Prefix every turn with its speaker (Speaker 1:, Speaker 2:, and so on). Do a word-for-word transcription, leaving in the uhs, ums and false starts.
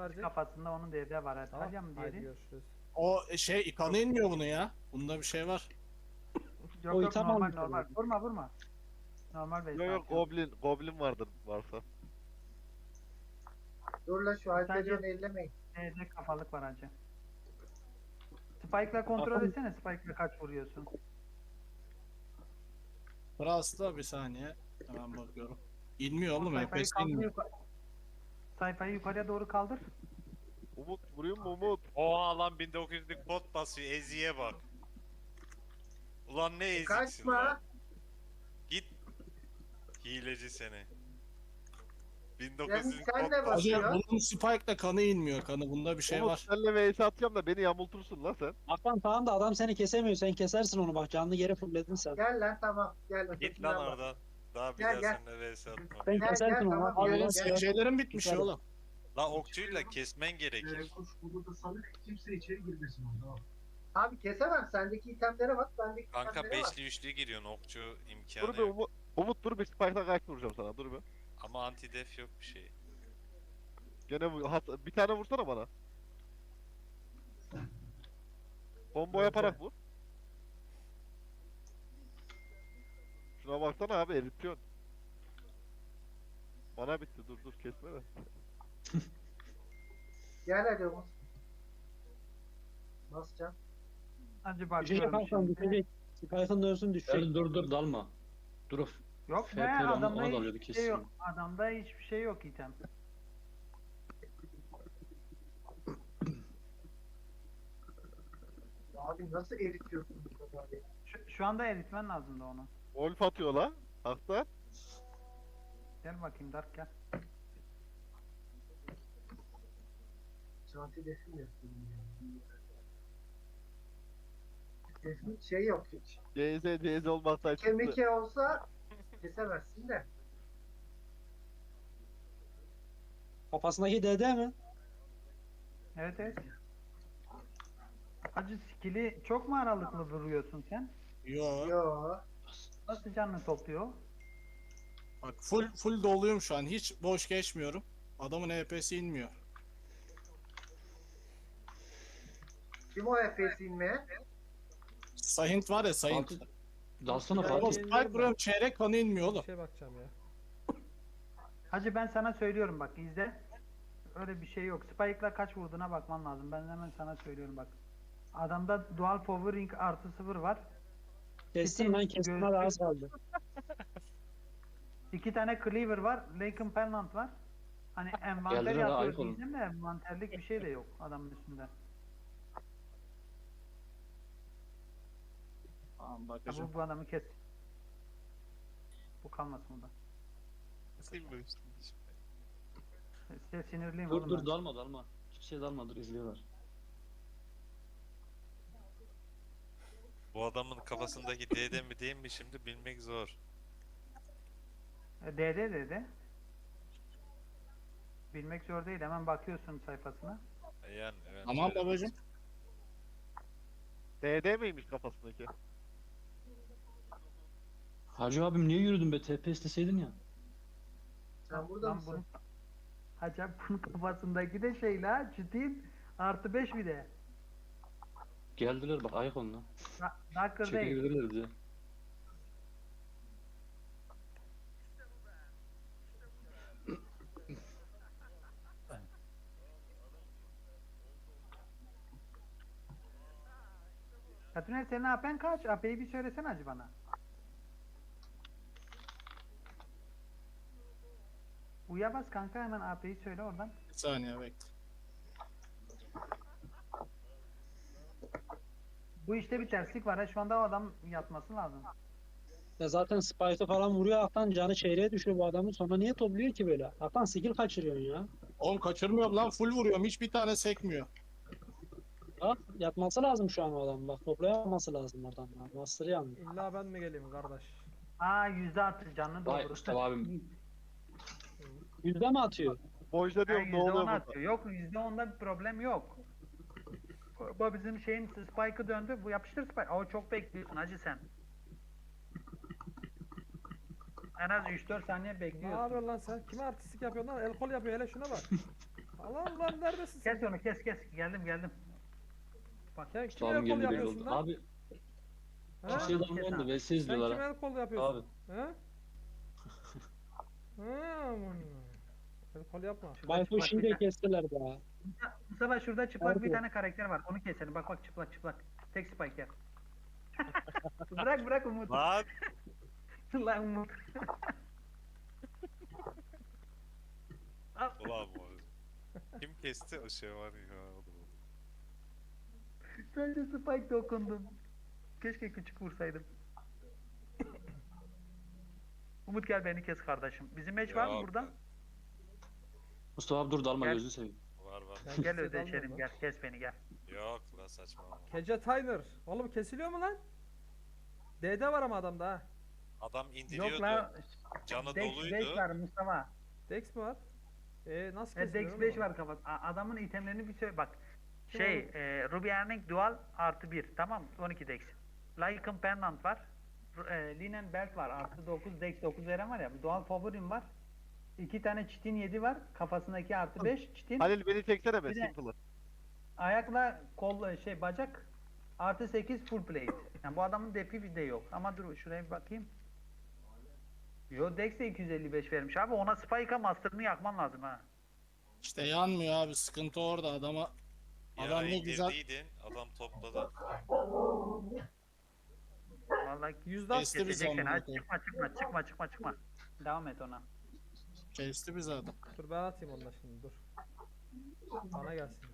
Speaker 1: verecek?
Speaker 2: kafasında onun D D var.
Speaker 1: Tamam.
Speaker 2: Talya mı
Speaker 1: Haydi
Speaker 2: diğeri?
Speaker 1: görüşürüz.
Speaker 3: O şey kanı inmiyor bunu ya. Bunda bir şey var.
Speaker 2: Yok
Speaker 4: O
Speaker 2: yok
Speaker 4: item
Speaker 2: normal
Speaker 4: almış
Speaker 2: normal.
Speaker 4: herhalde.
Speaker 2: Vurma vurma. Normal base
Speaker 5: Yok yok
Speaker 2: atıyorum.
Speaker 5: goblin, goblin vardır varsa.
Speaker 6: Dur la şu
Speaker 2: Sadece-
Speaker 6: Alper'i ellemeyin.
Speaker 2: D D kafalık var hacı. Spike'la kontrol
Speaker 4: Bakın-
Speaker 2: etsene. Spike'la kaç vuruyorsun?
Speaker 3: Frost'ta bir saniye. Hemen bakıyorum. İnmiyor oğlum.
Speaker 2: Sayfayı
Speaker 3: H P S
Speaker 2: kaldır
Speaker 3: inmiyor.
Speaker 2: yukarı. Sayfayı yukarıya doğru kaldır.
Speaker 5: Umut vuruyor mu Umut?
Speaker 7: Oha lan bin dokuz yüzlük bot basıyor. Eziye bak. Ulan ne eziksin
Speaker 6: Kaçma.
Speaker 7: lan. Git. Hileci seni. bin dokuz
Speaker 6: Yani
Speaker 7: yüzlük
Speaker 6: sen
Speaker 7: bot
Speaker 6: de
Speaker 3: Hacı
Speaker 6: basıyor.
Speaker 7: basıyor.
Speaker 3: bunun Spike'da kanı inmiyor. Kanı bunda bir şey
Speaker 5: Umut
Speaker 3: var.
Speaker 5: senle vs atacağım da beni yamultursun lan sen.
Speaker 4: Hakan tamam da adam seni kesemiyor. Sen kesersin onu bak. Canlı yere fulledin sen.
Speaker 6: Gel lan tamam. Gel.
Speaker 7: Git
Speaker 6: ötekinden
Speaker 7: lan
Speaker 6: bak.
Speaker 7: oradan. Daha bir
Speaker 6: Gel,
Speaker 7: daha
Speaker 6: gel.
Speaker 7: seninle vs atmam.
Speaker 4: Sen
Speaker 6: Gel,
Speaker 4: kesersin
Speaker 6: gel,
Speaker 4: onu.
Speaker 6: tamam,
Speaker 4: Al
Speaker 6: gel,
Speaker 4: ulan
Speaker 6: gel.
Speaker 4: sen.
Speaker 3: S C'lerin bitmiş
Speaker 4: Güzel.
Speaker 3: oğlum.
Speaker 7: La okçuyla kesmen gerekir.
Speaker 8: Kuş burada sanık kimse içeri girmesin orada.
Speaker 6: Abi kesemem. Sendeki itemlere bak. Bendeki
Speaker 7: Kanka
Speaker 6: itemlere bak.
Speaker 7: beşli üçlü giriyorsun. Okçu
Speaker 5: Dur
Speaker 7: imkanı
Speaker 5: bir
Speaker 7: yok.
Speaker 5: Umut. Umut dur bir spike'la kaç vuracağım sana dur bir.
Speaker 7: Ama anti def yok bir şey.
Speaker 5: Gene bu- hat, bir tane vursana bana. Combo yaparak vur. Şuna baksana abi eritiyorsun. Bana bitti dur dur kesme de.
Speaker 6: Gel hadi Umut. Basacağım.
Speaker 2: Hacı
Speaker 4: Düşecek
Speaker 2: bakıyorum
Speaker 4: Hakan
Speaker 2: şimdi.
Speaker 4: düşecek. Spike'ın dövsün düşecek.
Speaker 9: Dur dur dur dalma. Dur.
Speaker 2: Yok
Speaker 9: F
Speaker 2: be
Speaker 9: P ile ona-
Speaker 2: adamda
Speaker 9: ona dalıyordu,
Speaker 2: hiçbir şey yok.
Speaker 9: kesin.
Speaker 2: Adamda hiçbir şey yok item.
Speaker 6: Abi nasıl eritiyorsun bu kadar ya?
Speaker 2: Şu, şu anda eritmen lazım da onu.
Speaker 5: Wolf atıyor la. Hakta.
Speaker 2: Gel bakayım Dark gel.
Speaker 6: Şanti defim yapıyorum ya. Defim şey yok hiç.
Speaker 5: C Z C Z olmaktan çıktı.
Speaker 6: Kemike olsa kesemezsin de.
Speaker 4: Kafasındaki D D mi?
Speaker 2: Evet evet. Hacı skill'i çok mu aralıklı vuruyorsun sen?
Speaker 3: Yo.
Speaker 6: Yo.
Speaker 2: Nasıl canını topluyor?
Speaker 3: Bak full full doluyum şu an. Hiç boş geçmiyorum. Adamın H P S inmiyor.
Speaker 6: Kim o Efes'i inmeye?
Speaker 3: Sahint var ya Sahint.
Speaker 9: Fatih. Dalsana
Speaker 1: Ya,
Speaker 3: Oğlum
Speaker 9: Fatih.
Speaker 1: şey-
Speaker 3: Spike vuruyorum çeyrek kanı inmiyor
Speaker 1: Bir
Speaker 3: oğlum.
Speaker 1: şey bakacağım ya.
Speaker 2: Hacı ben sana söylüyorum bak izle. Öyle bir şey yok. Spike'la kaç vurduğuna bakman lazım. Ben hemen sana söylüyorum bak. Adamda dual powering artı sıfır var.
Speaker 4: Kestim lan kestim. Hadi az kaldı.
Speaker 2: İki tane cleaver var. Laken Pennant var. Hani envanter
Speaker 9: Geldiler ha,
Speaker 2: yapıyor
Speaker 9: ayık olun.
Speaker 2: diyeceğim de envanterlik bir şey de yok adamın üstünde.
Speaker 3: Tamam
Speaker 2: Ya
Speaker 3: bakacağım.
Speaker 2: bu, bu adamı kes. Bu kalmasın burada. Size sinirliyim
Speaker 9: Dur
Speaker 2: oğlum
Speaker 9: dur
Speaker 2: ben.
Speaker 9: dalma dalma. Hiçbir şey dalma dur izliyorlar.
Speaker 7: Bu adamın kafasındaki D D mi değil mi şimdi bilmek zor.
Speaker 2: E, D D dedi. Bilmek zor değil. Hemen bakıyorsun sayfasına.
Speaker 7: E Yani evet.
Speaker 3: Tamam
Speaker 7: şöyle-
Speaker 3: babacım.
Speaker 5: D D miymiş kafasındaki?
Speaker 9: Hacı abim niye yürüdün be? T P isteseydin ya.
Speaker 6: Sen burada
Speaker 2: Lan
Speaker 6: mısın?
Speaker 2: bunun- Hacı bunun kafasındaki de şey la ciddiyim. Artı beş bir de.
Speaker 9: Geldiler bak ayak onunla.
Speaker 2: Da- Darker değil.
Speaker 9: Çekebilirler bize.
Speaker 2: Katüner senin A P'n kaç? A P'yi bir söylesene hacı bana. Uya bas kanka hemen A P'yi söyle oradan.
Speaker 3: Bir saniye bekle.
Speaker 2: Bu işte bir terslik var. ha. Şu anda o adam yatması lazım.
Speaker 4: Ya zaten Spike'ı falan vuruyor Hakan canı çeyreğe düşüyor bu adamın. Sonra niye topluyor ki böyle? Hakan skill kaçırıyorsun ya.
Speaker 3: Oğlum kaçırmıyorum lan full vuruyorum. Hiçbir tane sekmiyor.
Speaker 4: Bak yatması lazım şu an o adam. Bak toplayamaması lazım oradan. Ya. Master yandı.
Speaker 1: İlla ben mi geleyim kardeş?
Speaker 2: Aa yüzde altı canını
Speaker 9: Vay
Speaker 2: doldurur.
Speaker 9: Mustafa abim.
Speaker 4: Yüzde mi atıyor?
Speaker 5: Bojda
Speaker 2: Ha,
Speaker 5: diyorum ne
Speaker 2: yüzde
Speaker 5: oluyor
Speaker 2: on
Speaker 5: burada?
Speaker 2: atıyor. Yok yüzde onda bir problem yok. Bu bizim şeyin spike'ı döndü. Bu yapıştır spike. O çok bekliyorsun hacı sen. En az üç dört saniye
Speaker 1: Ne
Speaker 2: bekliyorsun.
Speaker 1: yapıyorsun lan sen? Kime artistik yapıyorsun lan? El kol yapıyor hele şuna bak. Lan lan neredesin sen?
Speaker 2: Kes onu kes kes. Geldim geldim. Bak
Speaker 1: Sen
Speaker 9: Usta
Speaker 1: kime
Speaker 9: abim
Speaker 1: el kol
Speaker 9: geldi belli
Speaker 1: yapıyorsun
Speaker 9: oldu.
Speaker 1: lan?
Speaker 9: Abi
Speaker 1: Ha?
Speaker 9: kimseye dalmayın da V S
Speaker 1: Sen
Speaker 9: izliyorlar
Speaker 1: kime
Speaker 9: ha.
Speaker 1: el kol yapıyorsun?
Speaker 9: Abi
Speaker 1: Ha? Ha aman. El kol yapma.
Speaker 2: şurada
Speaker 4: Bayfo
Speaker 2: çıplak
Speaker 4: şimdi
Speaker 2: bir
Speaker 4: de
Speaker 2: tane-
Speaker 4: kestiler be.
Speaker 2: Mustafa şurada çıplak bir
Speaker 4: Harbi.
Speaker 2: tane karakter var. Onu keselim. Bak bak çıplak çıplak. Tek spike yer. Bırak bırak Umut.
Speaker 7: Lan
Speaker 2: Lan Umut.
Speaker 7: ulan bu. Kim kesti o şey var ya.
Speaker 2: Bence spike dokundum. Keşke küçük vursaydım. Umut gel beni kes kardeşim. Bizim meç var mı
Speaker 7: Yok.
Speaker 2: burada?
Speaker 9: Mustafa abi dur dalma
Speaker 2: Gel.
Speaker 9: gözünü seveyim.
Speaker 7: Var var.
Speaker 1: Ben
Speaker 2: Gel
Speaker 1: kimseye
Speaker 2: ödeşelim
Speaker 1: dalmıyorum
Speaker 2: gel. Kes beni gel.
Speaker 7: Yok lan saçmalama.
Speaker 1: Kece Tyner. Oğlum kesiliyor mu lan? D'de var ama adamda ha.
Speaker 7: Adam indiriyordu.
Speaker 2: Yok lan.
Speaker 7: Canı
Speaker 2: Dex
Speaker 7: doluydu.
Speaker 2: beş var Mustafa.
Speaker 1: Dex mi var? E nasıl
Speaker 2: E,
Speaker 1: kesiliyor?
Speaker 2: Dex
Speaker 1: oğlum
Speaker 2: beş
Speaker 1: o?
Speaker 2: var kafası. A- Adamın itemlerini bir söyle bak.
Speaker 1: Kim
Speaker 2: Şey,
Speaker 1: oğlum?
Speaker 2: e, Ruby Earning Dual artı bir. Tamam on iki Dex. Lycan Pendant var. R- E, Linen Belt var. Artı dokuz Dex dokuz veren var ya. Dual Favorin var. İki tane çitin yedi var. Kafasındaki artı beş çitin.
Speaker 5: Halil beni çeksene be
Speaker 2: Bir de-
Speaker 5: Simple'ı.
Speaker 2: Ayakla kol şey bacak artı sekiz full plate. Yani bu adamın depi de yok. Ama dur şuraya bir bakayım. Yo Dex de iki yüz elli beş vermiş abi. Ona Spike'a Master'ını yakman lazım ha.
Speaker 3: İşte yanmıyor abi, sıkıntı orada adama.
Speaker 7: Ya
Speaker 3: Adam ne güzel
Speaker 7: indirdiydin. Adam topladı.
Speaker 2: Vallahi
Speaker 1: Yüzde az
Speaker 3: Kesti bizi
Speaker 2: kesecek seni.
Speaker 3: amına
Speaker 2: Hadi
Speaker 3: koyayım.
Speaker 2: çıkma çıkma çıkma çıkma çıkma. Devam et ona.
Speaker 3: kesti bizi adam.
Speaker 1: Dur ben atayım onunla şimdi dur. Bana gelsin.